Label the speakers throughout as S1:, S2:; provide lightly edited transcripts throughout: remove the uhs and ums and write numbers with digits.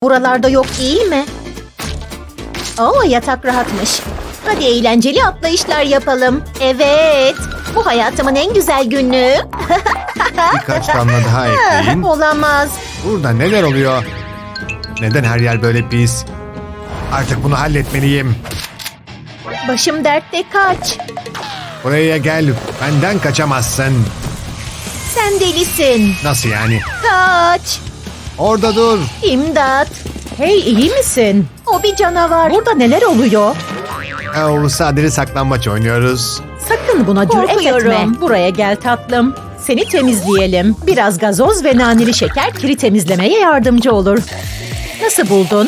S1: Buralarda yok değil mi? Oo, yatak rahatmış. Hadi eğlenceli atlayışlar yapalım. Evet. Bu hayatımın en güzel günü.
S2: Birkaç damla daha ekleyin.
S1: Olamaz.
S2: Burada neler oluyor? Neden her yer böyle pis? Artık bunu halletmeliyim.
S1: Başım dertte, kaç.
S2: Buraya gel. Benden kaçamazsın.
S1: Sen delisin.
S2: Nasıl yani?
S1: Kaç.
S2: Orada dur.
S1: İmdat.
S3: Hey, iyi misin?
S1: O bir canavar.
S3: Burada neler oluyor?
S2: Sadece saklambaç oynuyoruz.
S3: Sakın buna cüret
S1: Korkuyorum.
S3: etme. Buraya gel tatlım. Seni temizleyelim. Biraz gazoz ve naneli şeker kiri temizlemeye yardımcı olur. Nasıl buldun?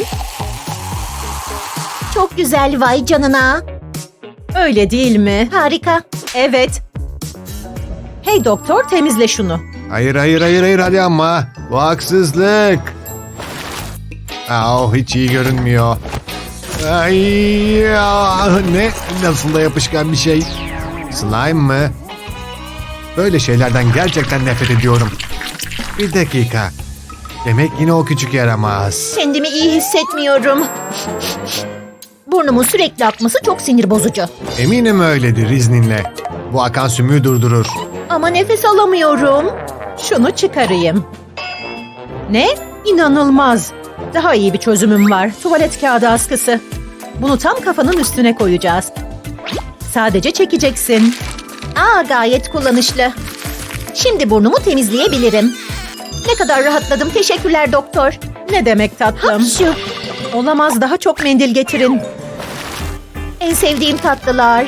S1: Çok güzel, vay canına.
S3: Öyle değil mi?
S1: Harika.
S3: Evet. Hey doktor, temizle şunu.
S2: Hayır hadi ama. Bu haksızlık. Hiç iyi görünmüyor. Ay ya, ne? Nasıl da yapışkan bir şey. Slime mı? Böyle şeylerden gerçekten nefret ediyorum. Bir dakika. Demek yine o küçük yaramaz.
S1: Kendimi iyi hissetmiyorum. Burnumun sürekli akması çok sinir bozucu.
S2: Eminim öyledir izninle. Bu akan sümüğü durdurur.
S1: Ama nefes alamıyorum.
S3: Şunu çıkarayım. Ne? İnanılmaz. Daha iyi bir çözümüm var. Tuvalet kağıdı askısı. Bunu tam kafanın üstüne koyacağız. Sadece çekeceksin.
S1: Gayet kullanışlı. Şimdi burnumu temizleyebilirim. Ne kadar rahatladım. Teşekkürler doktor.
S3: Ne demek tatlım?
S1: Hapşu.
S3: Olamaz, daha çok mendil getirin.
S1: En sevdiğim tatlılar.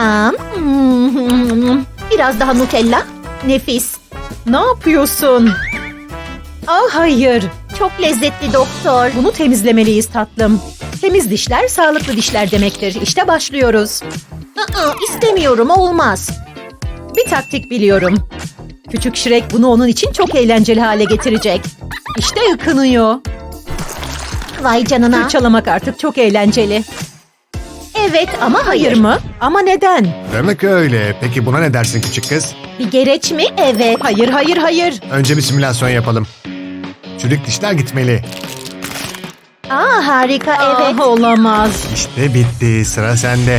S1: Biraz daha Nutella. Nefis.
S3: Ne yapıyorsun? Hayır.
S1: Çok lezzetli doktor.
S3: Bunu temizlemeliyiz tatlım. Temiz dişler sağlıklı dişler demektir. İşte başlıyoruz.
S1: İstemiyorum, olmaz.
S3: Bir taktik biliyorum. Küçük Shrek bunu onun için çok eğlenceli hale getirecek. İşte ıkınıyor.
S1: Vay canına.
S3: Fırçalamak artık çok eğlenceli.
S1: Evet ama hayır.
S3: Hayır mı? Ama neden?
S2: Demek öyle. Peki buna ne dersin küçük kız?
S1: Bir gereç mi? Evet.
S3: Hayır.
S2: Önce bir simülasyon yapalım. Çürük dişler gitmeli.
S1: Harika, evet.
S3: Olamaz.
S2: İşte bitti. Sıra sende.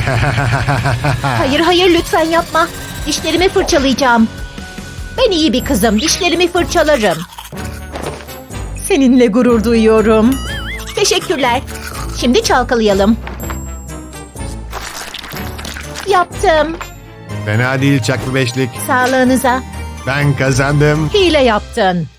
S1: Hayır, lütfen yapma. Dişlerimi fırçalayacağım. Ben iyi bir kızım. Dişlerimi fırçalarım.
S3: Seninle gurur duyuyorum.
S1: Teşekkürler. Şimdi çalkalayalım. Yaptım.
S2: Fena değil çaklı beşlik.
S1: Sağlığınıza.
S2: Ben kazandım.
S3: Hile yaptın.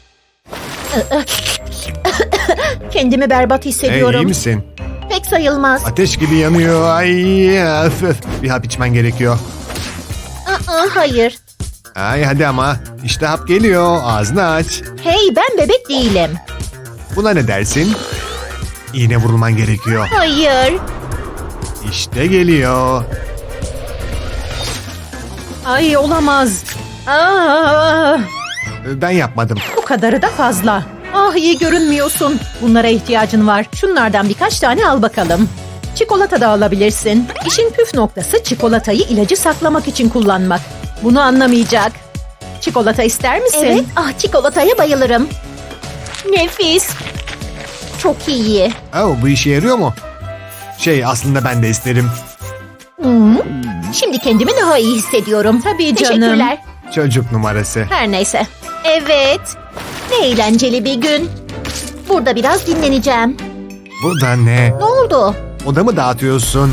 S1: Kendimi berbat
S2: Hey,
S1: hissediyorum.
S2: iyi misin?
S1: Pek sayılmaz.
S2: Ateş gibi yanıyor. Ay, öf. Bir hap içmen gerekiyor.
S1: Hayır.
S2: Ay hadi ama. İşte hap geliyor. Ağzını aç.
S1: Hey, ben bebek değilim.
S2: Buna ne dersin? İğne vurulman gerekiyor.
S1: Hayır.
S2: İşte geliyor.
S3: Ay olamaz.
S2: Ben yapmadım.
S3: Bu kadarı da fazla. İyi görünmüyorsun. Bunlara ihtiyacın var. Şunlardan birkaç tane al bakalım. Çikolata da alabilirsin. İşin püf noktası çikolatayı ilacı saklamak için kullanmak. Bunu anlamayacak. Çikolata ister misin?
S1: Evet. Çikolataya bayılırım. Nefis. Çok iyi.
S2: Bu işe yarıyor mu? Aslında ben de isterim.
S1: Şimdi kendimi daha iyi hissediyorum.
S3: Tabii canım.
S1: Teşekkürler.
S2: Çocuk numarası.
S1: Her neyse. Evet. Ne eğlenceli bir gün. Burada biraz dinleneceğim.
S2: Bu da ne?
S1: Ne oldu?
S2: Odamı dağıtıyorsun.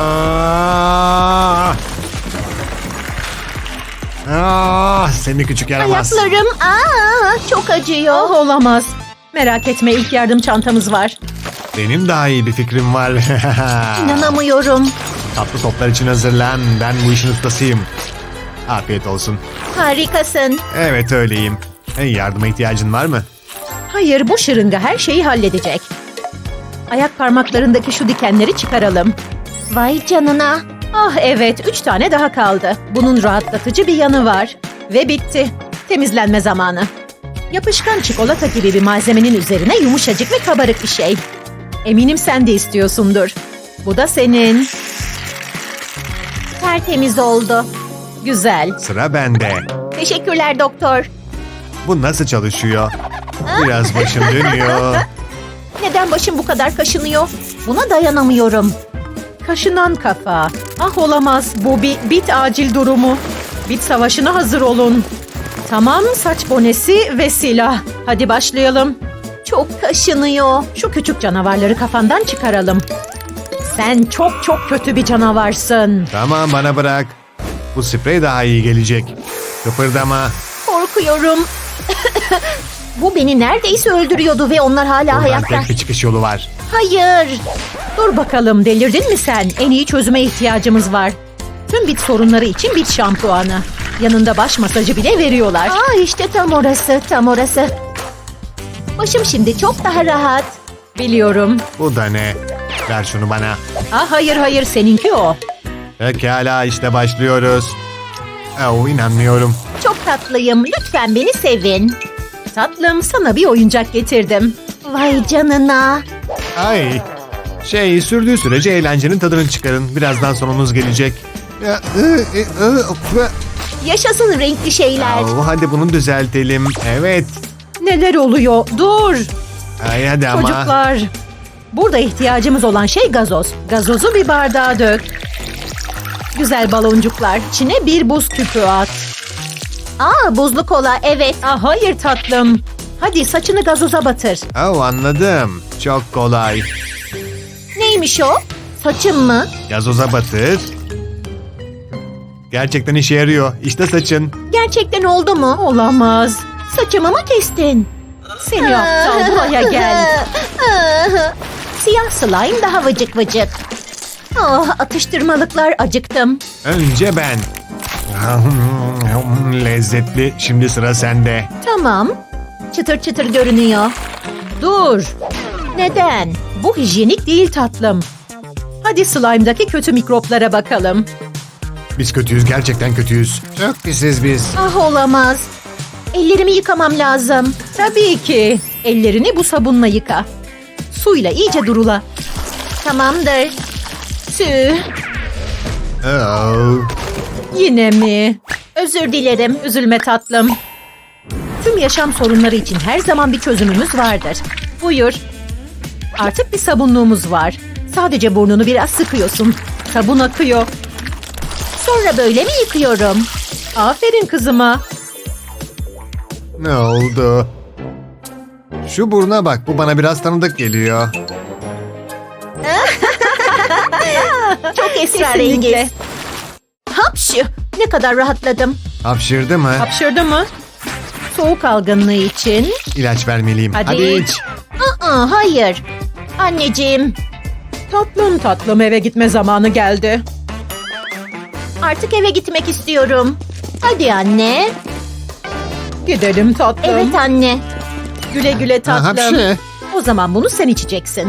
S2: Seni küçük yaramaz.
S1: Ayaklarım. Çok acıyor.
S3: Olamaz. Merak etme, ilk yardım çantamız var.
S2: Benim daha iyi bir fikrim var.
S1: İnanamıyorum.
S2: Tatlı toplar için hazırlan. Ben bu işin ustasıyım. Afiyet olsun.
S1: Harikasın.
S2: Evet öyleyim. Yardıma ihtiyacın var mı?
S3: Hayır, bu şırınga her şeyi halledecek. Ayak parmaklarındaki şu dikenleri çıkaralım.
S1: Vay canına.
S3: Evet, 3 tane daha kaldı. Bunun rahatlatıcı bir yanı var. Ve bitti. Temizlenme zamanı. Yapışkan çikolata gibi bir malzemenin üzerine yumuşacık ve kabarık bir şey. Eminim sen de istiyorsundur. Bu da senin.
S1: Tertemiz oldu.
S3: Güzel.
S2: Sıra bende.
S1: Teşekkürler doktor.
S2: Bu nasıl çalışıyor? Biraz başım dönüyor.
S1: Neden başım bu kadar kaşınıyor? Buna dayanamıyorum.
S3: Kaşınan kafa. Ah olamaz, bu bir bit acil durumu. Bit savaşına hazır olun. Tamam, saç bonesi ve silah. Hadi başlayalım.
S1: Çok kaşınıyor.
S3: Şu küçük canavarları kafandan çıkaralım. Sen çok çok kötü bir canavarsın.
S2: Tamam, bana bırak. Bu sprey daha iyi gelecek. Kıpırdama.
S1: Korkuyorum. Bu beni neredeyse öldürüyordu ve onlar hala
S2: Buradan
S1: hayatta.
S2: tek bir çıkış yolu var.
S1: Hayır.
S3: Dur bakalım, delirdin mi sen? En iyi çözüme ihtiyacımız var. Tüm bit sorunları için bit şampuanı. Yanında baş masajı bile veriyorlar.
S1: Aa, işte tam orası, tam orası. Başım şimdi çok daha rahat.
S3: Biliyorum.
S2: Bu da ne? Ver şunu bana.
S3: Ah hayır hayır, seninki o.
S2: Pekala, işte başlıyoruz. Oh, inanmıyorum.
S1: Çok tatlıyım. Lütfen beni sevin.
S3: Tatlım, sana bir oyuncak getirdim.
S1: Vay canına.
S2: Ay. Sürdüğü sürece eğlencenin tadını çıkarın. Birazdan sonunuz gelecek.
S1: Yaşasın renkli şeyler.
S2: Oh, hadi bunu düzeltelim. Evet.
S3: Neler oluyor? Dur.
S2: Ay hadi ama.
S3: Çocuklar. Burada ihtiyacımız olan şey gazoz. Gazozu bir bardağa dök. Güzel baloncuklar. İçine bir buz küpü at.
S1: Aa, buzlu kola, evet.
S3: Ah hayır tatlım. Hadi saçını gazoza batır.
S2: Oh, anladım. Çok kolay.
S1: Neymiş o? Saçım mı?
S2: Gazoza batır. Gerçekten işe yarıyor. İşte saçın.
S1: Gerçekten oldu mu?
S3: Olamaz.
S1: Saçımı mı kestin?
S3: Seni aptal, buraya gel.
S1: Siyah slime daha vıcık vıcık. Oh, atıştırmalıklar, acıktım.
S2: Önce ben. Lezzetli. Şimdi sıra sende.
S1: Tamam. Çıtır çıtır görünüyor.
S3: Dur.
S1: Neden?
S3: Bu hijyenik değil tatlım. Hadi slime'daki kötü mikroplara bakalım.
S2: Biz kötüyüz. Gerçekten kötüyüz. Çok pisiz biz.
S1: Ah, olamaz. Ellerimi yıkamam lazım.
S3: Tabii ki. Ellerini bu sabunla yıka. Suyla iyice durula.
S1: Tamamdır. Tüh.
S2: Oh.
S3: Yine mi?
S1: Özür dilerim.
S3: Üzülme tatlım. Tüm yaşam sorunları için her zaman bir çözümümüz vardır. Buyur. Artık bir sabunluğumuz var. Sadece burnunu biraz sıkıyorsun. Sabun akıyor.
S1: Sonra böyle mi yıkıyorum?
S3: Aferin kızıma.
S2: Ne oldu? Şu buruna bak. Bu bana biraz tanıdık geliyor.
S1: Çok esrarengiz.
S3: Kesinlikle.
S1: Hapşu. Ne kadar rahatladım.
S2: Hapşırdı mı?
S3: Hapşırdı mı? Soğuk algınlığı için.
S2: İlaç vermeliyim.
S3: Hadi
S2: iç.
S1: Aa, hayır. Anneciğim,
S3: Tatlım tatlım, eve gitme zamanı geldi.
S1: artık eve gitmek istiyorum. Hadi anne.
S3: Gidelim tatlım.
S1: Evet anne.
S3: Güle güle
S2: Ha,
S3: tatlım.
S2: hapşı.
S3: O zaman bunu sen içeceksin.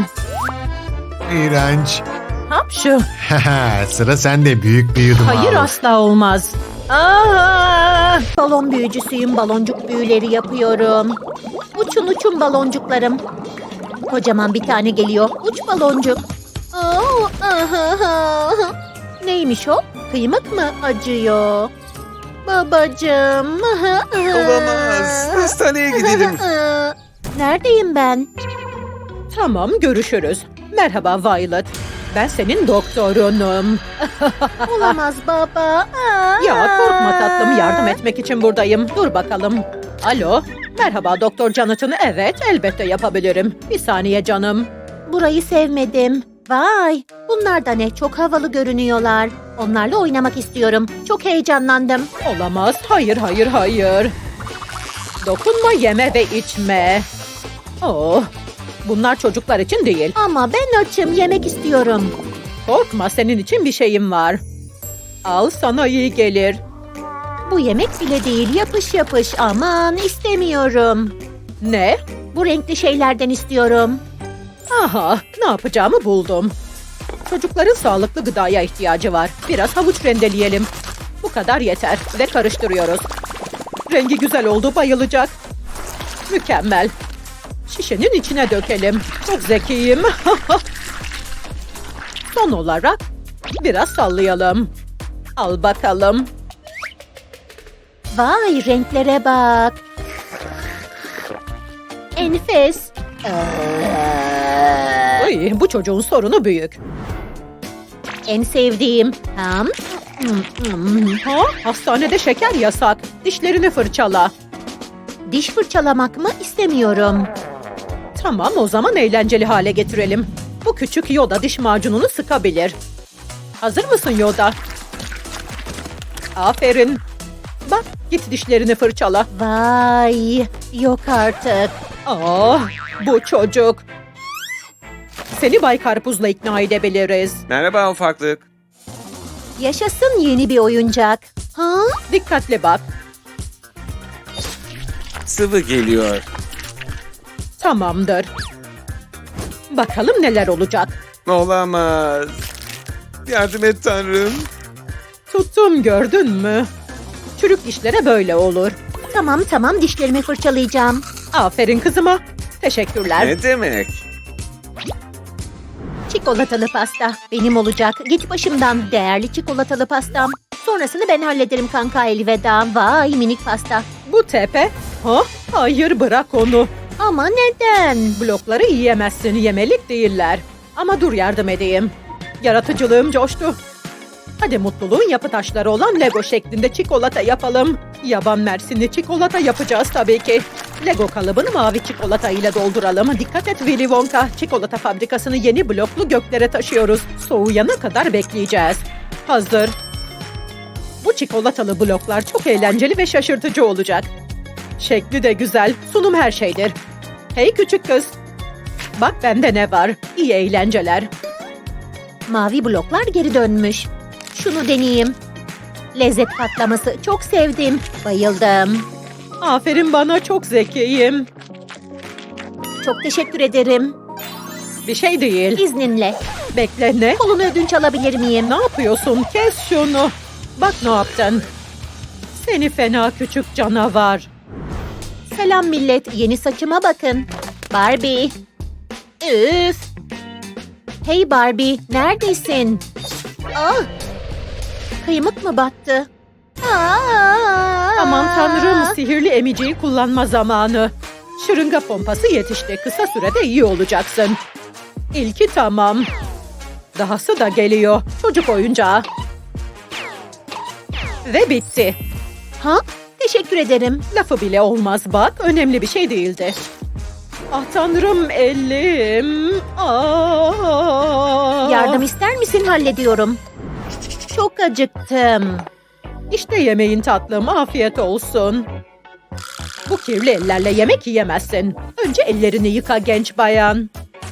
S2: İğrenç.
S3: Hapşu.
S2: Sıra sende. Büyük bir yudum
S3: Hayır
S2: al.
S3: asla olmaz. Aa!
S1: Balon büyücüsüyüm. Baloncuk büyüleri yapıyorum. Uçun uçun baloncuklarım. Kocaman bir tane geliyor. Uç baloncuk. Oo, ahaha. Neymiş o? Kıymık mı acıyor? Babacığım.
S4: Olamaz. Hastaneye gidelim.
S1: Neredeyim ben?
S3: Tamam, görüşürüz. Merhaba Violet. Ben senin doktorunum.
S1: Olamaz baba.
S3: Ya korkma tatlım, yardım etmek için buradayım. Dur bakalım. Alo. Merhaba Doktor Jonathan. Evet, elbette yapabilirim. Bir saniye canım.
S1: Burayı sevmedim. Vay, bunlar da ne? Çok havalı görünüyorlar. Onlarla oynamak istiyorum. Çok heyecanlandım.
S3: Olamaz. Hayır, hayır, hayır. Dokunma, yeme ve içme. Oh, bunlar çocuklar için değil.
S1: Ama ben açım, yemek istiyorum.
S3: Korkma, senin için bir şeyim var. Al, sana iyi gelir.
S1: Bu yemek bile değil, yapış yapış. Aman, istemiyorum.
S3: Ne?
S1: Bu renkli şeylerden istiyorum.
S3: Aha, ne yapacağımı buldum. Çocukların sağlıklı gıdaya ihtiyacı var. Biraz havuç rendeleyelim. Bu kadar yeter ve karıştırıyoruz. Rengi güzel oldu, bayılacak. Mükemmel. Şişenin içine dökelim. Çok zekiyim. Son olarak biraz sallayalım. Al bakalım.
S1: Vay, renklere bak. Enfes.
S3: İyi, bu çocuğun sorunu büyük.
S1: En sevdiğim.
S3: Ha? Hastanede şeker yasak. Dişlerini fırçala.
S1: Diş fırçalamak mı? İstemiyorum.
S3: Tamam, o zaman eğlenceli hale getirelim. Bu küçük Yoda diş macununu sıkabilir. Hazır mısın Yoda? Aferin. Bak, git dişlerini fırçala.
S1: Vay, yok artık.
S3: Ah, bu çocuk. Seni Bay Karpuz'la ikna edebiliriz.
S4: Merhaba ufaklık.
S1: Yaşasın yeni bir oyuncak. Ha?
S3: Dikkatli bak.
S4: Sıvı geliyor.
S3: Tamamdır. Bakalım neler olacak.
S4: Olamaz. Yardım et Tanrım.
S3: Tuttum, gördün mü? Çürük dişlere böyle olur.
S1: Tamam, dişlerimi fırçalayacağım.
S3: Aferin kızıma. Teşekkürler.
S4: Ne demek?
S1: Çikolatalı pasta benim olacak. Git başımdan değerli çikolatalı pastam. Sonrasını ben hallederim kanka, elveda. Vay minik pasta.
S3: Bu tepe. Ha? Hayır, bırak onu.
S1: Ama neden?
S3: Blokları yiyemezsin, yemelik değiller. Ama dur, yardım edeyim. Yaratıcılığım coştu. Hadi mutluluğun yapı taşları olan Lego şeklinde çikolata yapalım. Yaban mersinli çikolata yapacağız tabii ki. Lego kalıbını mavi çikolata ile dolduralım. Dikkat et Willy Wonka. Çikolata fabrikasını yeni bloklu göklere taşıyoruz. Soğuyana kadar bekleyeceğiz. Hazır. Bu çikolatalı bloklar çok eğlenceli ve şaşırtıcı olacak. Şekli de güzel. Sunum her şeydir. Hey küçük kız. Bak bende ne var. İyi eğlenceler.
S1: Mavi bloklar geri dönmüş. Şunu deneyeyim. Lezzet patlaması, çok sevdim. Bayıldım.
S3: Aferin bana, çok zekiyim.
S1: Çok teşekkür ederim.
S3: Bir şey değil.
S1: İzninle.
S3: Bekle, ne?
S1: Kolunu ödünç alabilir miyim?
S3: Ne yapıyorsun? Kes şunu. Bak ne yaptın. Seni fena küçük canavar.
S1: Selam millet. Yeni saçıma bakın. Barbie. Üf. Hey Barbie, neredesin? Ah. Kıymık mı battı?
S3: Aman tanrım, sihirli emiciyi kullanma zamanı. Şırınga pompası yetişti. Kısa sürede iyi olacaksın. İlki tamam. Dahası da geliyor. Çocuk oyuncağı. Ve bitti.
S1: Ha? Teşekkür ederim.
S3: Lafı bile olmaz bak. Önemli bir şey değildi. Ah tanrım, elim. Ah.
S1: Yardım ister misin? Hallediyorum. Çok acıktım.
S3: İşte yemeğin tatlım. Afiyet olsun. Bu kirli ellerle yemek yiyemezsin. Önce ellerini yıka genç bayan.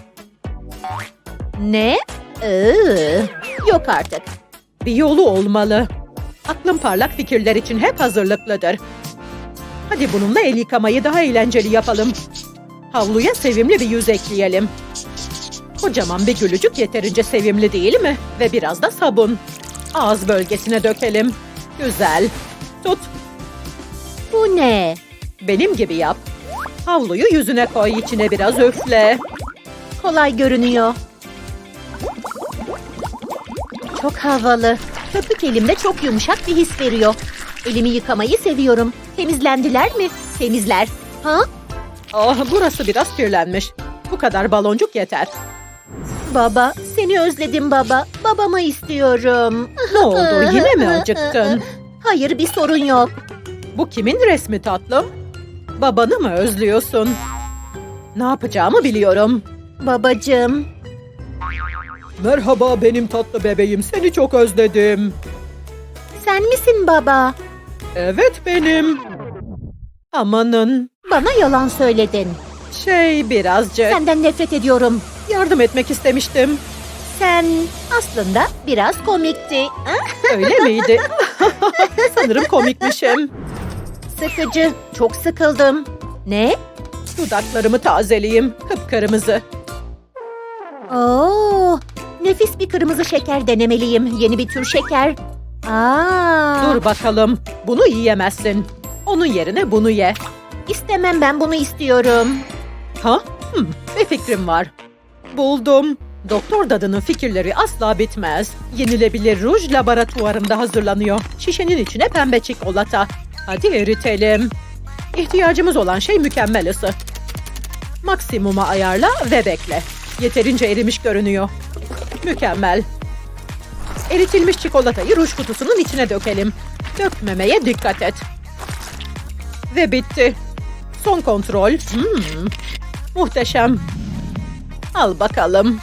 S1: Ne? Yok artık.
S3: Bir yolu olmalı. Aklım parlak fikirler için hep hazırlıklıdır. Hadi bununla el yıkamayı daha eğlenceli yapalım. Havluya sevimli bir yüz ekleyelim. Kocaman bir gülücük yeterince sevimli değil mi? Ve biraz da sabun. Ağız bölgesine dökelim. Güzel. Tut.
S1: Bu ne?
S3: Benim gibi yap. Havluyu yüzüne koy, içine biraz üfle.
S1: Kolay görünüyor. Çok havalı. Köpük elimde çok yumuşak bir his veriyor. Elimi yıkamayı seviyorum. Temizlendiler mi? Temizler. Ha?
S3: Ah, burası biraz kirlenmiş. Bu kadar baloncuk yeter.
S1: Baba, seni özledim baba. Babamı istiyorum.
S3: Ne oldu, yine mi acıktın?
S1: Hayır, bir sorun yok.
S3: Bu kimin resmi tatlım? Babanı mı özlüyorsun? Ne yapacağımı biliyorum.
S1: Babacığım.
S3: Merhaba benim tatlı bebeğim, seni çok özledim.
S1: Sen misin baba?
S3: Evet benim. Amanın.
S1: Bana yalan söyledin.
S3: Birazcık.
S1: Senden nefret ediyorum.
S3: Yardım etmek istemiştim.
S1: Sen aslında biraz komikti.
S3: Öyle miydi? Sanırım komikmişim.
S1: Sıkıcı. Çok sıkıldım. Ne?
S3: Dudaklarımı tazeleyeyim. Kıpkırmızı.
S1: Oo, nefis bir kırmızı şeker denemeliyim. Yeni bir tür şeker.
S3: Dur bakalım. Bunu yiyemezsin. Onun yerine bunu ye.
S1: İstemem, ben bunu istiyorum.
S3: Ha? Bir fikrim var. Buldum. Doktor Dadı'nın fikirleri asla bitmez. Yenilebilir ruj laboratuvarında hazırlanıyor. Şişenin içine pembe çikolata. Hadi eritelim. İhtiyacımız olan şey mükemmel ısı. Maksimuma ayarla ve bekle. Yeterince erimiş görünüyor. Mükemmel. Eritilmiş çikolatayı ruj kutusunun içine dökelim. Dökmemeye dikkat et. Ve bitti. Son kontrol. Muhteşem. Al bakalım.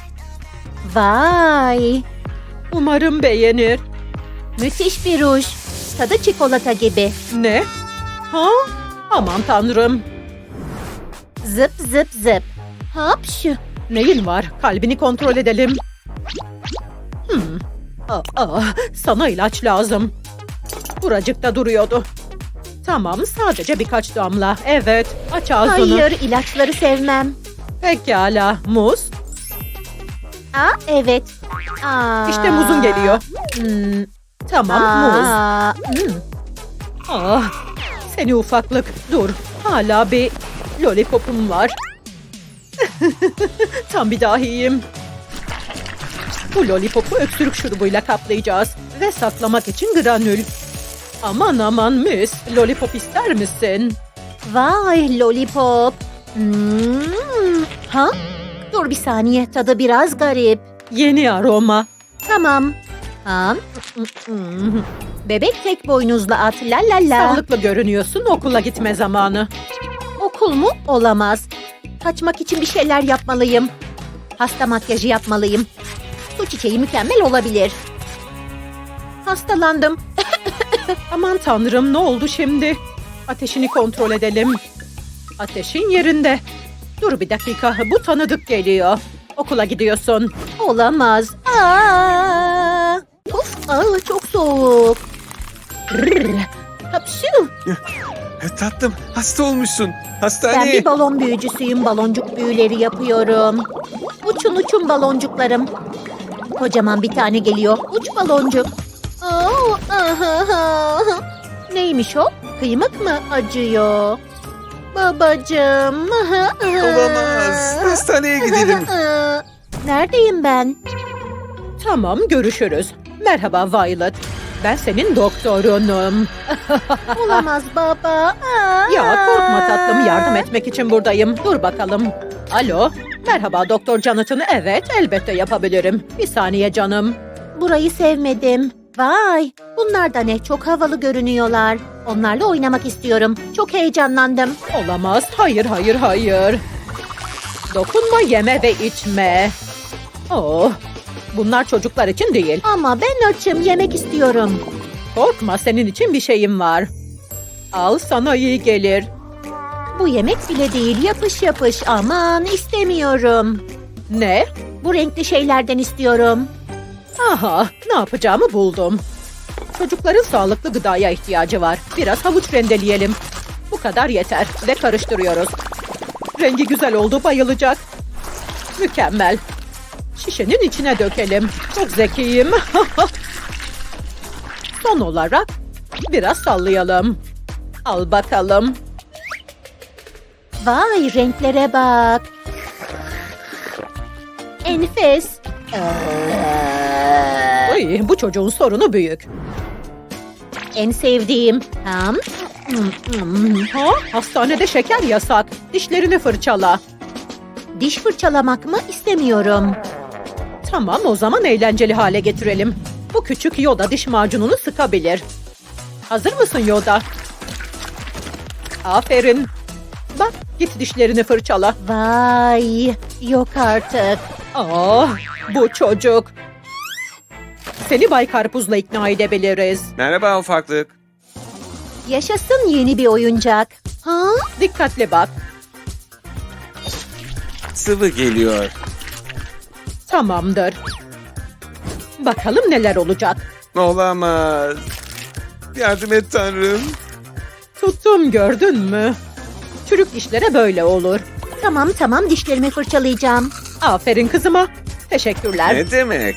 S1: Vay.
S3: Umarım beğenir.
S1: Müthiş bir ruj. Tadı çikolata gibi.
S3: Ne? Ha? Aman tanrım.
S1: Zıp zıp zıp. Hapşu.
S3: Neyin var? Kalbini kontrol edelim. Sana ilaç lazım. Buracıkta duruyordu. Tamam, sadece birkaç damla. Evet, aç ağzını.
S1: Hayır, ilaçları sevmem.
S3: Pekala, muz.
S1: Aa, evet. Aa.
S3: İşte muzun geliyor. Tamam, muz.
S1: Aa.
S3: Ah, seni ufaklık. Dur, hala bir lollipopum var. Tam bir dahiyim. Bu lollipopu öksürük şurubuyla kaplayacağız. Ve saklamak için granül. Aman aman mis, lollipop ister misin?
S1: Vay lollipop. Ha? Dur bir saniye, tadı biraz garip.
S3: Yeni aroma.
S1: Tamam. Ha? Bebek tek boynuzlu at, la la la.
S3: Sağlıklı görünüyorsun, okula gitme zamanı.
S1: Okul mu? Olamaz. Kaçmak için bir şeyler yapmalıyım. Hasta makyajı yapmalıyım. Su çiçeği mükemmel olabilir. Hastalandım.
S3: Aman tanrım, ne oldu şimdi? Ateşini kontrol edelim. Ateşin yerinde. Dur bir dakika, bu tanıdık geliyor. Okula gidiyorsun.
S1: Olamaz. Aa! Of, çok soğuk. Rrr. Hapşu.
S4: Tatlım, hasta olmuşsun.
S1: Ben
S4: Hastaneye.
S1: bir balon büyücüsüyüm. Baloncuk büyüleri yapıyorum. Uçun uçun baloncuklarım. Kocaman bir tane geliyor. Uç baloncuk. Oo, aha. Neymiş o? Kıymık mı acıyor? Babacığım.
S4: Olamaz. Hastaneye gidelim.
S1: Neredeyim ben?
S3: Tamam, görüşürüz. Merhaba Violet. Ben senin doktorunum.
S1: Olamaz baba.
S3: Ya korkma tatlım, yardım etmek için buradayım. Dur bakalım. Alo, merhaba Doktor Jonathan. Evet, elbette yapabilirim. Bir saniye canım.
S1: Burayı sevmedim. Vay, bunlar da ne? Çok havalı görünüyorlar. Onlarla oynamak istiyorum. Çok heyecanlandım.
S3: Olamaz. Hayır, hayır, hayır. Dokunma, yeme ve içme. Oh, bunlar çocuklar için değil.
S1: Ama ben açım, yemek istiyorum.
S3: Korkma, senin için bir şeyim var. Al, sana iyi gelir.
S1: Bu yemek bile değil, yapış yapış. Aman istemiyorum.
S3: Ne?
S1: Bu renkli şeylerden istiyorum.
S3: Aha, ne yapacağımı buldum. Çocukların sağlıklı gıdaya ihtiyacı var. Biraz havuç rendeleyelim. Bu kadar yeter ve karıştırıyoruz. Rengi güzel oldu, bayılacak. Mükemmel. Şişenin içine dökelim. Çok zekiyim. Son olarak biraz sallayalım. Al bakalım.
S1: Vay, renklere bak. Enfes.
S3: Ay, bu çocuğun sorunu büyük.
S1: En sevdiğim.
S3: Ha? Hastanede şeker yasak. Dişlerini fırçala.
S1: Diş fırçalamak mı? İstemiyorum.
S3: Tamam, o zaman eğlenceli hale getirelim. Bu küçük Yoda diş macununu sıkabilir. Hazır mısın Yoda? Aferin. Bak, git dişlerini fırçala.
S1: Vay, yok artık.
S3: Ah, bu çocuk. Seni Bay Karpuz'la ikna edebiliriz.
S4: Merhaba ufaklık.
S1: Yaşasın yeni bir oyuncak. Ha?
S3: Dikkatli bak.
S4: Sıvı geliyor.
S3: Tamamdır. Bakalım neler olacak.
S4: Olamaz. Yardım et Tanrım.
S3: Tuttum, gördün mü? Çürük dişlere böyle olur.
S1: Tamam, dişlerimi fırçalayacağım.
S3: Aferin kızıma. Teşekkürler.
S4: Ne demek?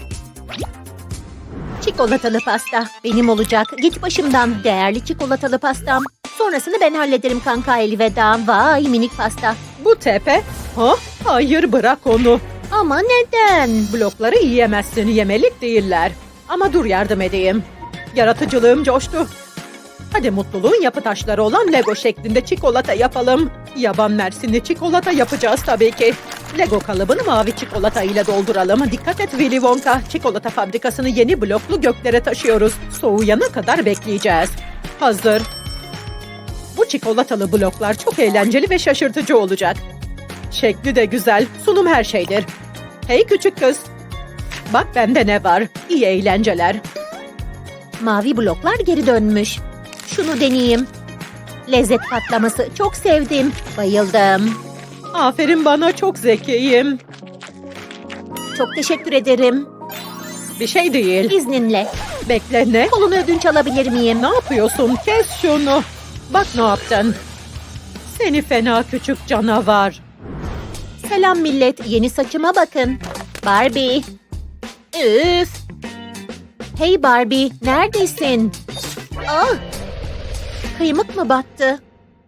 S1: Çikolatalı pasta benim olacak. Git başımdan, değerli çikolatalı pastam. Sonrasını ben hallederim kanka, elveda. Vay, minik pasta.
S3: Bu tepe. Ha? Hayır, bırak onu.
S1: Ama neden?
S3: Blokları yiyemezsin, yemelik değiller. Ama dur, yardım edeyim. Yaratıcılığım coştu. Hadi mutluluğun yapı taşları olan Lego şeklinde çikolata yapalım. Yaban mersinli çikolata yapacağız tabii ki. Lego kalıbını mavi çikolata ile dolduralım. Dikkat et Willy Wonka. Çikolata fabrikasını yeni bloklu göklere taşıyoruz. Soğuyana kadar bekleyeceğiz. Hazır. Bu çikolatalı bloklar çok eğlenceli ve şaşırtıcı olacak. Şekli de güzel. Sunum her şeydir. Hey küçük kız. Bak bende ne var. İyi eğlenceler.
S1: Mavi bloklar geri dönmüş. Şunu deneyeyim. Lezzet patlaması çok sevdim. Bayıldım.
S3: Aferin bana, çok zekiyim.
S1: Çok teşekkür ederim.
S3: Bir şey değil.
S1: İzninle.
S3: Bekle, ne?
S1: Kolunu ödünç alabilir miyim?
S3: Ne yapıyorsun? Kes şunu. Bak ne yaptın. Seni fena küçük canavar.
S1: Selam millet. Yeni saçıma bakın. Barbie. Üf. Hey Barbie. Neredesin? Ah. Kıymık mı battı?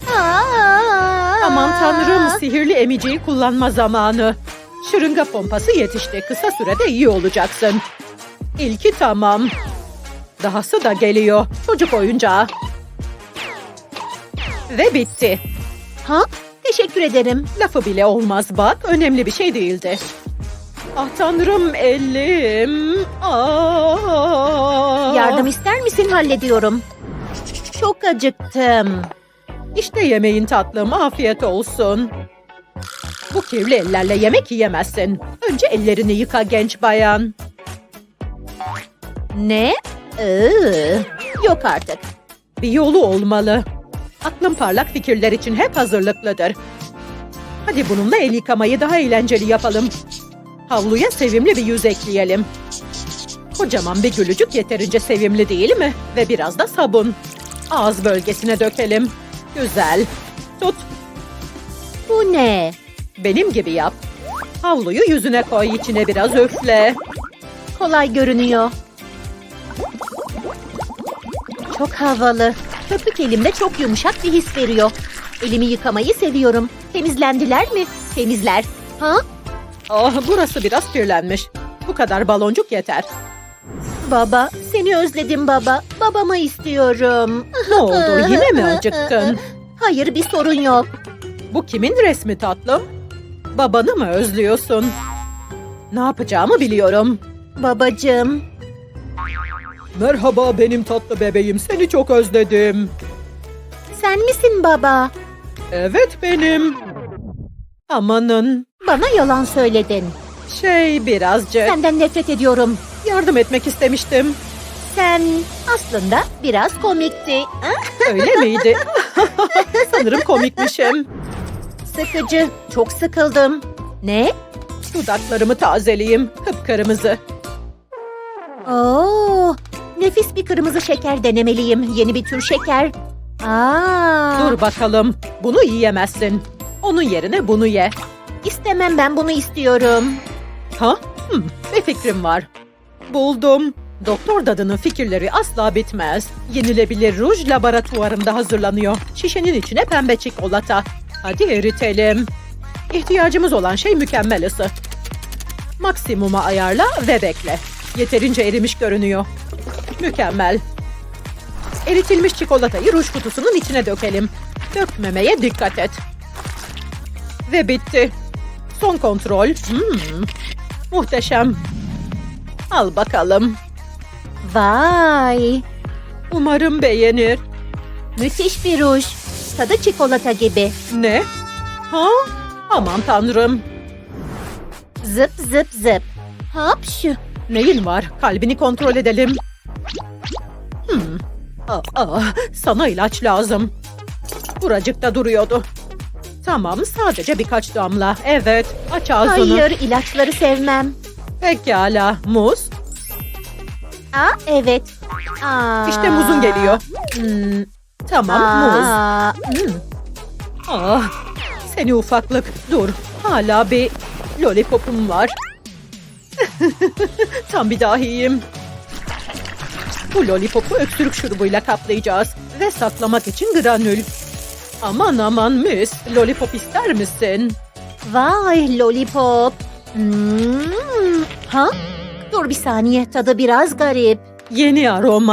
S3: Aman tanrım, sihirli emiciyi kullanma zamanı. Şırınga pompası yetişti. Kısa sürede iyi olacaksın. İlki tamam. Dahası da geliyor. Çocuk oyuncağı. Ve bitti.
S1: Ha? Teşekkür ederim.
S3: Lafı bile olmaz bak. Önemli bir şey değildi. Ah tanrım, elim.
S1: Yardım ister misin? Hallediyorum. Çok acıktım.
S3: İşte yemeğin tatlım. Afiyet olsun. Bu kirli ellerle yemek yiyemezsin. Önce ellerini yıka genç bayan.
S1: Ne? Yok artık.
S3: Bir yolu olmalı. Aklım parlak fikirler için hep hazırlıklıdır. Hadi bununla el yıkamayı daha eğlenceli yapalım. Havluya sevimli bir yüz ekleyelim. Kocaman bir gülücük yeterince sevimli değil mi? Ve biraz da sabun. Ağız bölgesine dökelim. Güzel. Tut.
S1: Bu ne?
S3: Benim gibi yap. Havluyu yüzüne koy, içine biraz üfle.
S1: Kolay görünüyor. Çok havalı. Köpük elimde çok yumuşak bir his veriyor. Elimi yıkamayı seviyorum. Temizlendiler mi? Temizler. Ha?
S3: Ah, burası biraz kirlenmiş. Bu kadar baloncuk yeter.
S1: Baba, seni özledim baba. Babamı istiyorum.
S3: Ne oldu? Yine mi acıktın?
S1: Hayır, bir sorun yok.
S3: Bu kimin resmi tatlım? Babanı mı özlüyorsun? Ne yapacağımı biliyorum.
S1: Babacığım.
S3: Merhaba benim tatlı bebeğim. Seni çok özledim.
S1: Sen misin baba?
S3: Evet benim. Amanın.
S1: Bana yalan söyledin.
S3: Birazcık.
S1: Senden nefret ediyorum.
S3: Yardım etmek istemiştim.
S1: Sen aslında biraz komikti.
S3: Öyle miydi? Sanırım komikmişim.
S1: Sıkıcı. Çok sıkıldım. Ne?
S3: Dudaklarımı tazeleyeyim. Kıpkırmızı.
S1: Oo, nefis bir kırmızı şeker denemeliyim. Yeni bir tür şeker.
S3: Dur bakalım. Bunu yiyemezsin. Onun yerine bunu ye.
S1: İstemem, ben bunu istiyorum.
S3: Ha? Bir fikrim var. Buldum. Doktor Dadı'nın fikirleri asla bitmez. Yenilebilir ruj laboratuvarımda hazırlanıyor. Şişenin içine pembe çikolata. Hadi eritelim. İhtiyacımız olan şey mükemmel ısı. Maksimuma ayarla ve bekle. Yeterince erimiş görünüyor. Mükemmel. Eritilmiş çikolatayı ruj kutusunun içine dökelim. Dökmemeye dikkat et. Ve bitti. Son kontrol. Muhteşem. Al bakalım.
S1: Vay,
S3: Umarım beğenir.
S1: müthiş bir ruj. Tadı çikolata gibi.
S3: Ne? Ha? Aman tanrım.
S1: Zıp zıp zıp. Hapşu.
S3: Neyin var? Kalbini kontrol edelim. Sana ilaç lazım. Buracıkta duruyordu. Tamam, sadece birkaç damla. Evet, aç ağzını.
S1: Hayır, ilaçları sevmem.
S3: Pekala, muz.
S1: Evet.
S3: İşte muzun geliyor. Tamam, muz. Seni ufaklık. Dur, hala bir lollipopum var. Tam bir dahiyim. Bu lollipopu öksürük şurubuyla kaplayacağız. Ve saklamak için granül. Aman aman mis. Lollipop ister misin?
S1: Vay, lollipop. Ha? Dur bir saniye, tadı biraz garip.
S3: Yeni aroma.